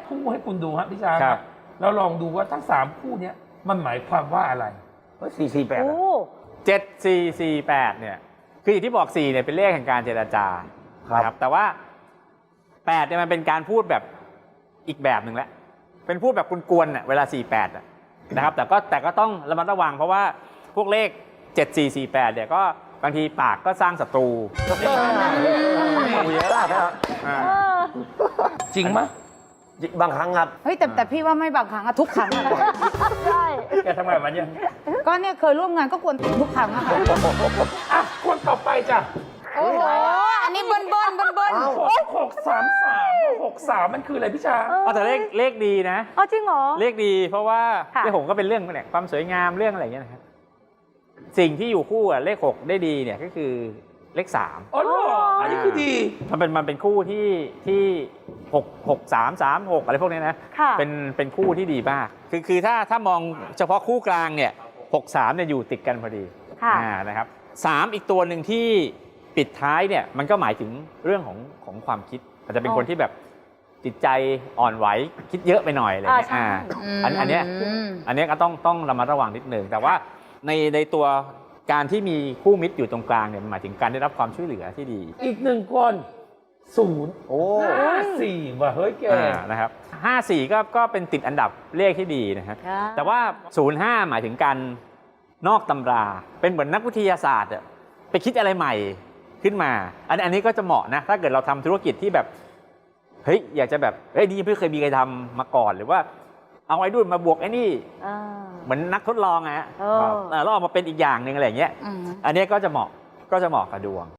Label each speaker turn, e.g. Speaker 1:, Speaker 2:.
Speaker 1: คู่ให้คุณดูฮะพี่ช้าง
Speaker 2: ครับ
Speaker 1: แล้วลองดูว่าทั้ง3คู่เนี้ยมันหมายความว่าอะไร
Speaker 3: 448
Speaker 4: โอ้
Speaker 2: 7448เนี่ยคืออย่างที่บอก4เนี่ยเป็นเลขแห่งการเจรจานะครับแต่ว่า8เนี่ยมันเป็นการพูดแบบอีกแบบหนึ่งแหละเป็นพูดแบบกวนๆน่ะเวลา48นะครับแต่ก็ต้องระมัดระวังเพราะว่าพวกเลข7448เนี่ยก็บางทีปากก็สร้างศัตรู
Speaker 3: เยอะนะครับ
Speaker 2: อ่า
Speaker 1: จริงไหม
Speaker 3: บางครั้งครับ
Speaker 5: เฮ้ยแต่พี่ว่าไม่บางครั้งอะทุกครั้งอะ
Speaker 4: ใช่
Speaker 1: แกทำไมมันเนี่ย
Speaker 5: ก็เนี่ยเคยร่วมงานก็กวนตีนทุกครั้งอะค่ะ
Speaker 1: อ่ะคนต่อไปจ้ะ
Speaker 5: โอ้โหอันนี้เบิ้ล
Speaker 1: 663มันคืออะไรพี่ช้าง
Speaker 2: เอาแต่เลขดีนะ
Speaker 4: อ๋อจริงเหรอ
Speaker 2: เลขดีเพราะว่า
Speaker 4: ค่ะ
Speaker 2: เลข6ก็เป็นเรื่องเนี่ยความสวยงามเรื่องอะไรอย่างเงี้ยนะครับสิ่งที่อยู่คู่อะเลข6ได้ดีเนี่ยก็คือเลข3
Speaker 1: อ๋อเหรออันนี้คือดี
Speaker 2: มันเป็นคู่ที่6 3 3 6อะไรพวกนี้นะ
Speaker 4: ค่ะ
Speaker 2: เป็นคู่ที่ดีมากคือถ้ามองเฉพาะคู่กลางเนี่ย63เนี่ยอยู่ติดกันพอดี
Speaker 4: ค่ะ
Speaker 2: นะครับ3อีกตัวหนึ่งที่ปิดท้ายเนี่ยมันก็หมายถึงเรื่องของความคิดอาจจะเป็นคนที่แบบจิตใจอ่อนไหวคิดเยอะไปหน่อยอะไรเงี้ย
Speaker 4: ใช่
Speaker 2: อันเนี้ยก็ต้องระมัดระวังนิดนึงแต่ว่าในตัวการที่มีคู่มิตรอยู่ตรงกลางเนี่ยมันหมายถึงการได้รับความช่วยเหลือที่ดี
Speaker 1: อีก1คน0
Speaker 3: โอ้
Speaker 1: 54ว่ะเฮ้ยแก
Speaker 2: นะครับ54ก็เป็นติดอันดับเลขที่ดีนะครับแต่ว่า05หมายถึงการนอกตำราเป็นเหมือนนักวิทยาศาสตร์อะไปคิดอะไรใหม่ขึ้นมาอันนี้ก็จะเหมาะนะถ้าเกิดเราทำธุรกิจที่แบบเฮ้ยอยากจะแบบเฮ้ยนี่ไม่เคยมีใครทำมาก่อนหรือว่าเอาไอ้นู่นมาบวกไอ้นี่
Speaker 4: อ่า
Speaker 2: เหมือนนักทดลองอะฮะ
Speaker 4: เออ
Speaker 2: แล้วออกมาเป็นอีกอย่างหนึ่งอะไรอย่างเงี้ยอันนี้ก็จะเหมาะกับดวง